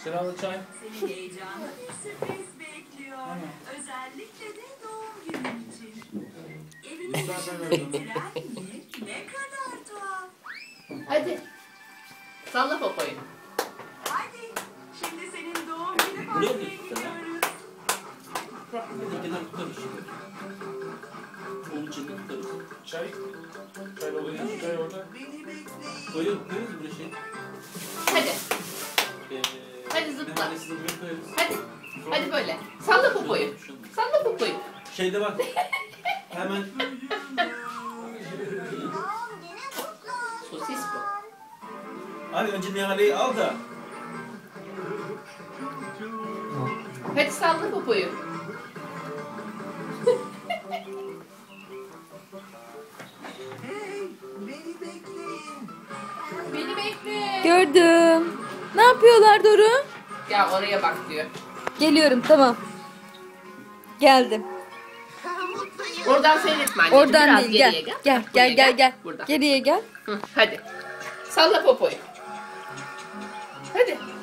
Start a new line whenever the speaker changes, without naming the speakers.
Sıralı çay.
Seni heyecanlı bir sürpriz bekliyor. Özellikle de doğum günün için. Evinin dışında getiren mi? Ne kadar tuhaf.
Hadi. Salla popoyu.
Hadi. Şimdi senin doğum günü partine gidiyoruz.
Onun için tutarız.
Çay. Çay oluyor. Çay orada.
Koyuyoruz buraya şey.
Hadi. Hadi zıpla.
Neredeyse buraya koyarız.
Hadi. Hadi böyle. Salla popoyu. Salla popoyu.
Şeyde bak. Hemen
Sosis bu.
abi önce Nihal'i al da.
Hadi salla popoyu. Beni bekle.
Gördüm. Ne yapıyorlar Doru?
Ya oraya bak diyor.
Geliyorum, tamam. Geldim.
Oradan seyretme anneciğim.
Oradan
Biraz
değil,
geriye
gel.
gel.
Gel
Buraya
gel gel gel.
Burada.
Geriye gel.
Hı, hadi. Salla popoyu. Hadi.